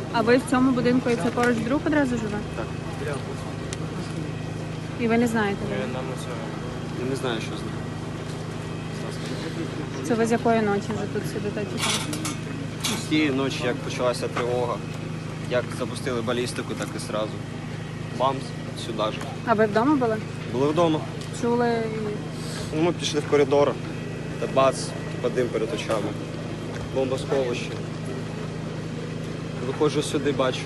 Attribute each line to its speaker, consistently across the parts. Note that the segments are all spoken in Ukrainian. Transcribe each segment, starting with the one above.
Speaker 1: А ви в цьому будинку і це поруч друг одразу живе?
Speaker 2: Так.
Speaker 1: І ви не знаєте? де?
Speaker 2: Я не знаю, що з ним.
Speaker 1: Це ви з якої ночі вже тут сидите?
Speaker 2: З тієї ночі, як почалася тривога, як запустили балістику, так і одразу. Бамс, сюди ж.
Speaker 1: А ви вдома були?
Speaker 2: Були вдома.
Speaker 1: Чули?
Speaker 2: Ну, ми пішли в коридор, та бац, типа дим перед очами. Бомбосховище. Виходжу сюди, бачу.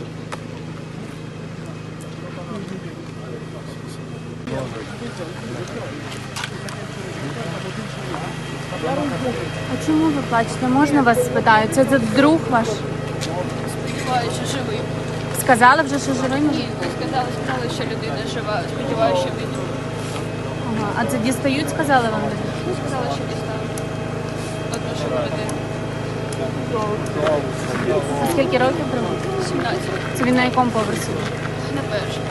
Speaker 1: А чому ви плачете? Можна вас спитаю? Це друг ваш?
Speaker 3: Сподіваюся, що живий.
Speaker 1: Сказали вже, що живий?
Speaker 3: Ні, не сказали, що людина жива. Сподіваюся, що він.
Speaker 1: Ага. А це дістають, сказали вам?
Speaker 3: Ну, сказали, що дістали. Одну живу людину.
Speaker 1: А скільки років було?
Speaker 3: 17.
Speaker 1: Це він на якому поверсі?
Speaker 3: На першому.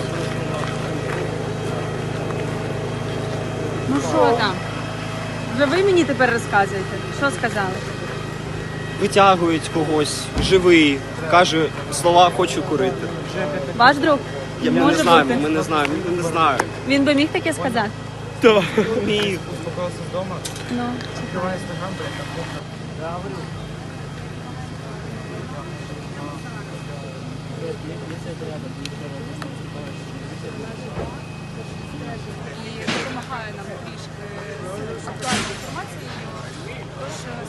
Speaker 1: Ну що там? Вже ви мені тепер розказуєте? Що сказали?
Speaker 2: Витягують когось, живий, каже слова «хочу курити».
Speaker 1: Ваш друг?
Speaker 2: Ми не
Speaker 1: Може
Speaker 2: знаємо,
Speaker 1: бути.
Speaker 2: ми не знаємо, ми не знаємо.
Speaker 1: Він би міг таке сказати?
Speaker 2: Так, міг.
Speaker 1: Ну.
Speaker 3: І допомагає нам трішки з актуальної інформації.